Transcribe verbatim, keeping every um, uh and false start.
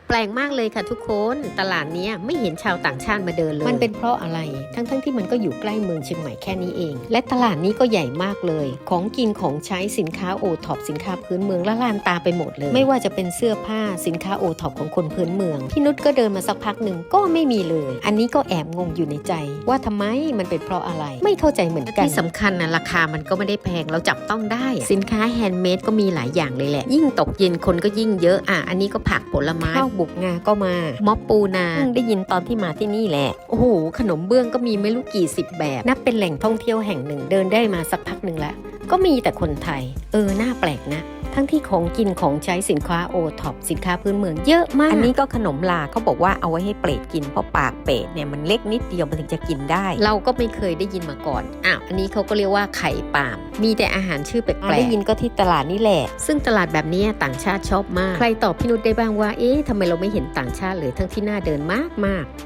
แปลกมากเลยค่ะทุกคนตลาดนี้ไม่เห็นชาวต่างชาติมาเดินเลยมันเป็นเพราะอะไรทั้งๆ ท, ที่มันก็อยู่ใกล้เมืองเชียงใหม่แค่นี้เองและตลาดนี้ก็ใหญ่มากเลยของกินของใช้สินค้าโอท็อปสินค้าพื้นเมืองละลานตาไปหมดเลยไม่ว่าจะเป็นเสื้อผ้าสินค้าโอท็อปของคนพื้นเมืองพี่นุชก็เดินมาสักพักหนึ่งก็ไม่มีเลยอันนี้ก็แอบงงอยู่ในใจว่าทำไมมันเป็นเพราะอะไรไม่เข้าใจเหมือนกันที่สำคัญนะราคามันก็ไม่ได้แพงเราจับต้องได้สินค้าแฮนด์เมดก็มีหลายอย่างเลยแหละยิ่งตกเย็นคนก็ยิ่งเยอะอ่ะอันนี้ก็ผักผลไม้ข้าวบุกงาก็มาม็อบปูนาได้ยินตอนที่มาที่นี่แหละโอ้โหขนมเบื้องก็มีไม่รู้กี่สิบแบบนับเป็นแหล่งท่องเที่ยวแห่งหนึ่งเดินได้มาสักพักหนึ่งแล้วก็มีแต่คนไทยเออน่าแปลกนะทั้งที่ของกินของใช้สินค้าโอท็อปสินค้าพื้นเมืองเยอะมากอันนี้ก็ขนมลาเขาบอกว่าเอาไว้ให้เปรตกินเพราะปากเปรตเนี่ยมันเล็กนิดเดียวมันถึงจะกินได้เราก็ไม่เคยได้ยินมาก่อนอ้าวอันนี้เขาก็เรียกว่าไข่ปาล์มมีแต่อาหารชื่อแปลกๆได้ยินก็ที่ตลาดนี่แหละซึ่งตลาดแบบนี้ต่างชาติชอบมากใครตอบพี่นุชได้บ้างว่าเอ๊ะทำไมเราไม่เห็นต่างชาติเลยทั้งที่น่าเดินมากๆ